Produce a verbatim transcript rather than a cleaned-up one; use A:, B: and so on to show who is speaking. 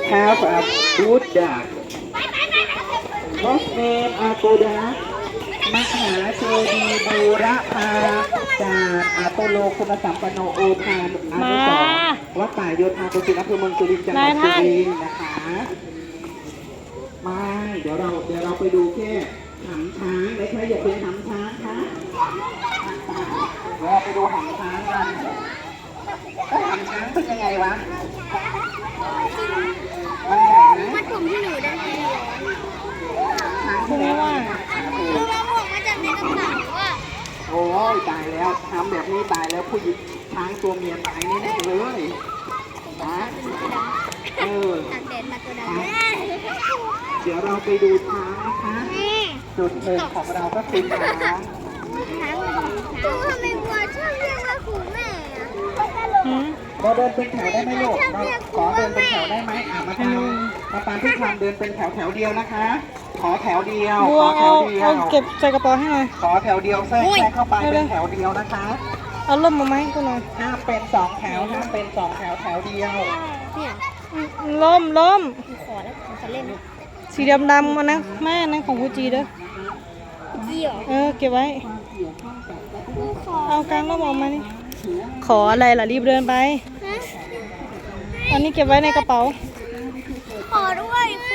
A: have a Buddha What's name Agoda มหาเจดีย์บูรพาจารย์อาโตโลคุณสัมปันโนโอภานุอานุสรณ์วัดป่าโยธากุศิลป์อำเภอเมืองสุรินทร์จังหวัดสุรินทร์นะคะไม่เดี๋ยวเราเดี๋ยวเราไปดูแค่หำช้างนะคะอย่าเป็นหำช้างคะเดี๋ยวเราไปดูหำช้างกันแล้วหำช้างเป็นยังไงวะมันใหญ่ไหม
B: มัดผมที่หนูได้ไหม
A: ช้างเป็นยังไง
B: รู้ว่าผมมาจากในกระเป๋าอ่ะ
A: โอ้ยตายแล้วทำแบบนี้ตายแล้วผู้หญิงช้างตัวเมียตายแน่ๆเลยนะเออ
B: ตากแดดมาตัวดำ
A: เดี๋ยวเราไปดูช้างนะคะจุดหนึ่งของเราก็คือช้าง
B: ดูทำไมวัวชอบเรียกว่าคุณแม่อะ
A: เราเดินเป็นแถวได้ไหมลูกเราขอเดินเป็นแถวได้ไหมอ่ะมาตามมาตามที่ทางเดินเป็นแถวแถวเดียวนะคะ ขอแถวเดียว
C: บั
A: ข
C: ว
A: อแถ
C: เอา
A: วเดีย
C: เอา
A: ว
C: เก็บใส่กระเป๋าให้หน่อย
A: ขอแถวเดียวแทรกแทรกเข้าไปเป็นแถวเดียวนะคะ
C: เอาล่มมาไหมาให้กูหน่อย
A: ห้ามเป็นสองแถวห้ามเป็นสองแถวแถวเดียว
B: เนี่ย
C: ล่มล่ม
B: ขอแล้วผมจะเล่น
C: สีดำดำๆมานะแม่นั่นของกูจีเด้อ
B: ยี่หรอ
C: เออเก็บไว้
B: ขอ
C: เอากลางล่มออกมานี่ขออะไรล่ะรีบเดินไป
B: ฮะ
C: อันนี้เก็บไว้ในกระเป๋า
B: ขอด้วย